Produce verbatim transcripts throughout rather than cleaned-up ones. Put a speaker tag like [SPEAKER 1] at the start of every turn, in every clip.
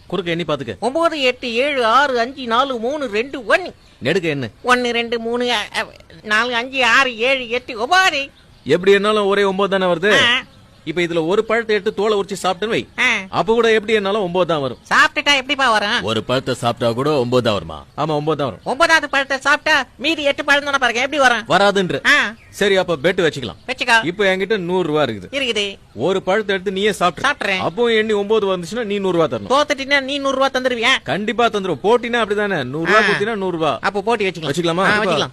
[SPEAKER 1] குறுக்க எண்ணி பாத்துக்க.
[SPEAKER 2] ஒன்பது எட்டு ஏழு ஆறு அஞ்சு நாலு மூணு ரெண்டு ஒன்னு.
[SPEAKER 1] நெடுக்க என்ன?
[SPEAKER 2] ஒன்னு ரெண்டு மூணு நாலு அஞ்சு ஆறு ஏழு எட்டு ஒன்பது.
[SPEAKER 1] எப்படி என்னாலும் ஒரே ஒன்பது தானே வருது. இப்ப இதுல ஒரு பழத்தை எடுத்து தோலை உரிச்சு சாப்பிட்டுன்னு வை, அப்ப கூட எப்படி என்னாலும் ஒன்பது தான் வரும்.
[SPEAKER 2] சாப்பிட்டுட்டா எப்படிப்பா வரும்?
[SPEAKER 1] ஒரு பழத்தை சாப்பிட்டா கூட ஒன்பது தான் வருமா? ஆமா ஒன்பது தான் வரும்.
[SPEAKER 2] ஒன்பதாவது பழத்தை சாப்பிட்டா மீதி எட்டு பழம் தானே பாருங்க, எப்படி வரும்?
[SPEAKER 1] வராதுன்ற. சரி அப்ப பெட் வச்சுக்கலாம்.
[SPEAKER 2] வச்சுக்கோ.
[SPEAKER 1] இப்ப என்கிட்ட நூறு ரூபா இருக்குது.
[SPEAKER 2] இருக்குது.
[SPEAKER 1] ஒரு பழத்தை எடுத்து நீயே சாப்பிட்டு
[SPEAKER 2] சாப்பிடுறேன்.
[SPEAKER 1] அப்போ எண்ணி ஒன்பது வந்துச்சுன்னா நீ நூறு ரூபா தரணும்.
[SPEAKER 2] தோத்துட்டீங்கன்னா நீ நூறு ரூபா தந்துருவியா?
[SPEAKER 1] கண்டிப்பா தந்துரும். போட்டினா அப்படிதானே, நூறு ரூபா கொடுத்தீங்கன்னா நூறு ரூபா.
[SPEAKER 2] அப்போ போட்டி வச்சுக்கலாம்.
[SPEAKER 1] வச்சுக்கலாமா?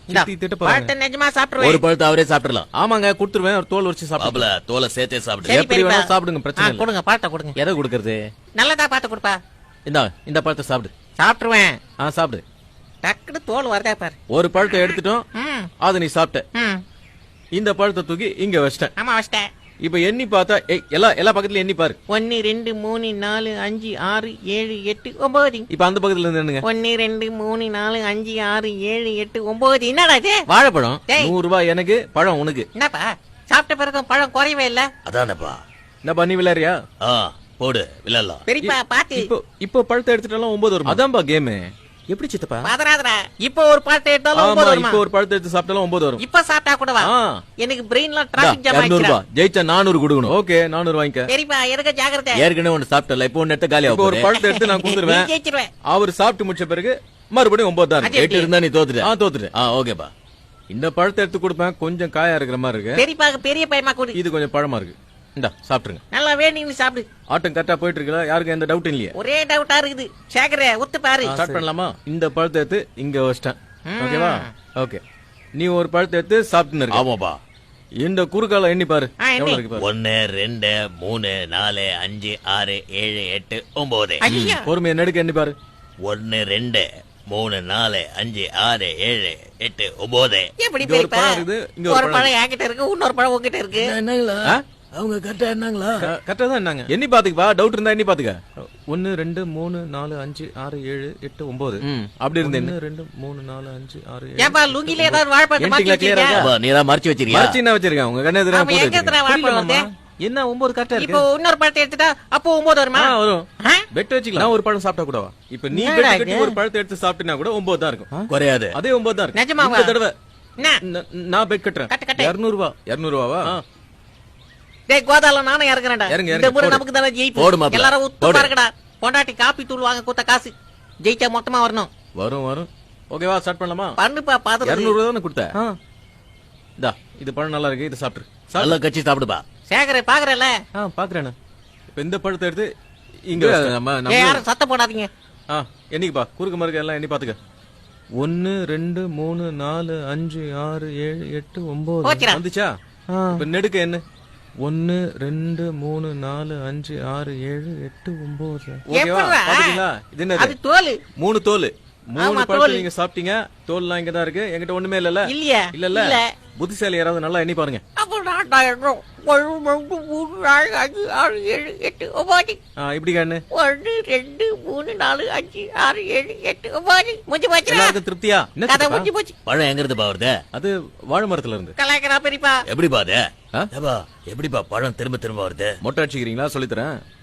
[SPEAKER 2] பழத்தை நிஜமா சாப்பிடுவேன்.
[SPEAKER 1] ஒரு பழத்தை அவரே சாப்பிடலாம். ஆமாங்க கொடுத்துருவேன். ஒரு தோல் உரிச்சு சாப்பிடல. தோலை சேர்த்தே சாப்பிடு. எப்படி வேணா சாப்பிடுங்க, பிரச்சனை இல்ல.
[SPEAKER 2] கொடுங்க பழத்தை கொடுங்க.
[SPEAKER 1] எதை கொடுக்கறது?
[SPEAKER 2] நல்லதா பார்த்து கொடுப்பா.
[SPEAKER 1] இந்தா இந்த பழத்தை சாப்பிடு.
[SPEAKER 2] சாப்பிட்டுருவேன்.
[SPEAKER 1] ஆ சாப்பிடு.
[SPEAKER 2] டக்குனு தோல் வரதா பாரு.
[SPEAKER 1] ஒரு பழத்தை எடுத்துட்டோம், அது நீ சாப்பிட்ட. இந்த பழத்தை தூக்கி இங்க வச்சிட்டேன்.
[SPEAKER 2] ஆமா வச்சிட்டேன்.
[SPEAKER 1] இப்ப எண்ணி பார்த்தா எல்லா எல்லா பக்கத்துல எண்ணி பாரு.
[SPEAKER 2] ஒன்னு ரெண்டு மூணு நாலு அஞ்சு ஆறு ஏழு எட்டு ஒன்பது.
[SPEAKER 1] இப்ப அந்த பக்கத்துல இருந்து என்னங்க?
[SPEAKER 2] ஒன்னு ரெண்டு மூணு நாலு அஞ்சு ஆறு ஏழு எட்டு ஒன்பது. என்னடா இது?
[SPEAKER 1] வாழைப்பழம். நூறு ரூபாய் எனக்கு, பழம் உனக்கு.
[SPEAKER 2] என்னப்பா சாப்பிட்ட பிறகு பழம் குறையவே இல்ல?
[SPEAKER 1] அதானப்பா. என்னப்பா நீ விளையாடுறியா? போடு விளையாடலாம்.
[SPEAKER 2] பெரியப்பா பாத்து.
[SPEAKER 1] இப்போ இப்போ பழத்தை எடுத்துட்டாலும் ஒன்பது வரும். அதான்பா கேம். எப்படி சித்தப்பா?
[SPEAKER 2] பாதராதரா. இப்போ ஒரு பழத்தை எடுத்தாலும் ஒன்பது வரும்.
[SPEAKER 1] இப்போ ஒரு பழத்தை எடுத்து சாப்பிட்டாலும் ஒன்பது வரும்.
[SPEAKER 2] இப்ப சாப்பிட்டா கூட வா. எனக்கு பிரெயின்ல டிராபிக் ஜாம் ஆயிடுச்சு.
[SPEAKER 1] இருநூறு ரூபாய் ஜெயிச்சா நானூறு கொடுக்கணும். ஓகே நானூறு வாங்கிக்க.
[SPEAKER 2] பெரியப்பா எனக்கு ஜாக்கிரதை.
[SPEAKER 1] ஏற்கனவே ஒன்னு சாப்பிட்டல, இப்போ ஒன்னு எடுத்து காலியா. இப்போ ஒரு பழத்தை எடுத்து நான் கொடுத்துருவேன்.
[SPEAKER 2] ஜெயிச்சிருவேன்.
[SPEAKER 1] அவர் சாப்பிட்டு முடிச்ச பிறகு மறுபடியும் ஒன்பது தான். எட்டு இருந்தா நீ தோத்துட்ட. ஆ தோத்துட்ட. ஆ ஓகேப்பா. இந்த பழத்தை எடுத்து கொடுப்பேன். கொஞ்சம் காயா இருக்கிற மாதிரி இருக்கு.
[SPEAKER 2] பெரியப்பா பெரிய பையமா கொடு.
[SPEAKER 1] இது கொஞ்சம் பழமா இருக்கு. இந்தா சாப்பிட்டுருங்க.
[SPEAKER 2] நல்லா வேணும்னு சாப்பிடு.
[SPEAKER 1] ஆட்டம் கரெக்டா போயிட்டு இருக்குல்ல? யாருக்கு எந்த டவுட் இல்லையா?
[SPEAKER 2] ஒரே டவுட்டா இருக்குது. சேகரே ஒத்து பாரு.
[SPEAKER 1] ஸ்டார்ட் பண்ணலாமா? இந்த பழத்தை எடுத்து இங்க வச்சிட்டேன். ஓகேவா? ஓகே. நீ ஒரு பழத்தை எடுத்து சாப்பிட்டுன்னு இருக்க. ஆமாப்பா. இந்த குறுக்கால எண்ணி பாரு. எவ்வளவு இருக்கு பாரு. ஒன்னு ரெண்டு மூணு நாலு அஞ்சு ஆறு ஏழு எட்டு ஒன்பது. பொறுமையா நெடுக்க எண்ணி பாரு. ஒன்னு ரெண்டு மூணு நாலு அஞ்சு ஆறு ஏழு எட்டு ஒன்பது.
[SPEAKER 2] எப்படி பெரியப்பா? ஒரு பழம் என்கிட்ட இருக்கு, இன்னொரு பழம் உங்ககிட்ட இருக்கு.
[SPEAKER 1] என்னங்களா அவங்க கரெக்டா என்னங்களா? கரெக்டா தான் என்னங்க. எண்ணி பாத்துக்கப்பா. டவுட் இருந்தா எண்ணி பாத்துக்க. ஒன்னு ரெண்டு மூணு நாலு அஞ்சு ஆறு ஏழு எட்டு ஒன்பது. அப்படி இருந்தேன். ஒன்னு ரெண்டு மூணு நாலு அஞ்சு ஆறு ஏழு.
[SPEAKER 2] ஏப்பா லுங்கில ஏதாவது வாழைப்பழம் மாத்தி வச்சிருக்கியா?
[SPEAKER 1] நீ ஏதாவது மறைச்சு வச்சிருக்கியா? மறைச்சு என்ன வச்சிருக்கேன்? உங்க கண்ணே எதிரா போட்டு
[SPEAKER 2] வச்சிருக்கேன்.
[SPEAKER 1] என்ன ஒன்பது கரெக்டா இருக்கு.
[SPEAKER 2] இப்போ இன்னொரு பழத்தை எடுத்துட்டா அப்போ ஒன்பது வருமா?
[SPEAKER 1] வரும். பெட் வச்சுக்கலாம். நான் ஒரு பழம் சாப்பிட்டா கூடவா? இப்ப நீ பெட் கட்டி ஒரு பழத்தை எடுத்து சாப்பிட்டினா கூட ஒன்பது தான் இருக்கும். குறையாது. அதே ஒன்பது தான் இருக்கும்.
[SPEAKER 2] நிஜமாவா?
[SPEAKER 1] இந்த தடவை நான் பெட் கட்டுறேன். இருநூறு ரூபாய். இருநூறு ரூபாவா?
[SPEAKER 2] டேய் கோதால நானே இறங்குறேன்டா. இந்த முறை நமக்கு தான ஜெயிப்பு. எல்லாரும் உத்து பாருங்கடா. பொண்டாட்டி காப்பி தூள் வாங்க கொடுத்த காசு ஜெயிச்சா மொத்தமா வரணும்.
[SPEAKER 1] வரும் வரும். ஓகேவா? ஸ்டார்ட் பண்ணலாமா?
[SPEAKER 2] பண்ணுப்பா பாத்து.
[SPEAKER 1] இருநூறு ரூபாய் தான கொடுத்த. இந்தா இது பழம் நல்லா இருக்கு. இது சாப்பிடு. நல்லா கச்சி சாப்பிடுப்பா.
[SPEAKER 2] சேகரே பாக்குறல?
[SPEAKER 1] ஆ பாக்குறேன். இப்ப இந்த பழத்தை எடுத்து இங்க நம்ம
[SPEAKER 2] யாரும் சத்தம் போடாதீங்க.
[SPEAKER 1] ஆ என்னைக்குப்பா? குறுக்கு மறுக்க எல்லாம் எண்ணி பாத்துக்க. ஒன்னு ரெண்டு மூணு நாலு அஞ்சு ஆறு ஏழு எட்டு ஒன்பது வந்துச்சா? இப்ப நெடுக்க என்ன? ஒன்னு ரெண்டு மூணு நாலு அஞ்சு ஆறு ஏழு எட்டு ஒன்பது. இது என்ன?
[SPEAKER 2] தோல்.
[SPEAKER 1] மூணு தோல். மூணு பழத்தை நீங்க சாப்பிட்டீங்க. தோல்லாம் இங்கதான் இருக்கு. என்கிட்ட ஒண்ணுமே இல்ல.
[SPEAKER 2] இல்லையா?
[SPEAKER 1] இல்ல இல்ல. புத்திசாலி யாராவது நல்லா எண்ணி பாருங்க. இப்படி கண்ணு.
[SPEAKER 2] ஒன்னு ரெண்டு மூணு நாலு அஞ்சு ஆறு ஏழு எட்டு ஒன்பது. முடிஞ்சு போச்சு.
[SPEAKER 1] எல்லாருக்கும் திருப்தியா?
[SPEAKER 2] கதை முடிஞ்சு போச்சு.
[SPEAKER 1] பழம் எங்க இருந்து பாருது? அது வாழை மரத்துல இருந்து.
[SPEAKER 2] கலாய்க்கிறா பெரியப்பா.
[SPEAKER 1] எப்படி பாது? எப்படிப்பா பழம் திரும்ப திரும்ப வருது? மொட்டை அடிச்சுக்கிறீங்களா? சொல்லித்தரேன்.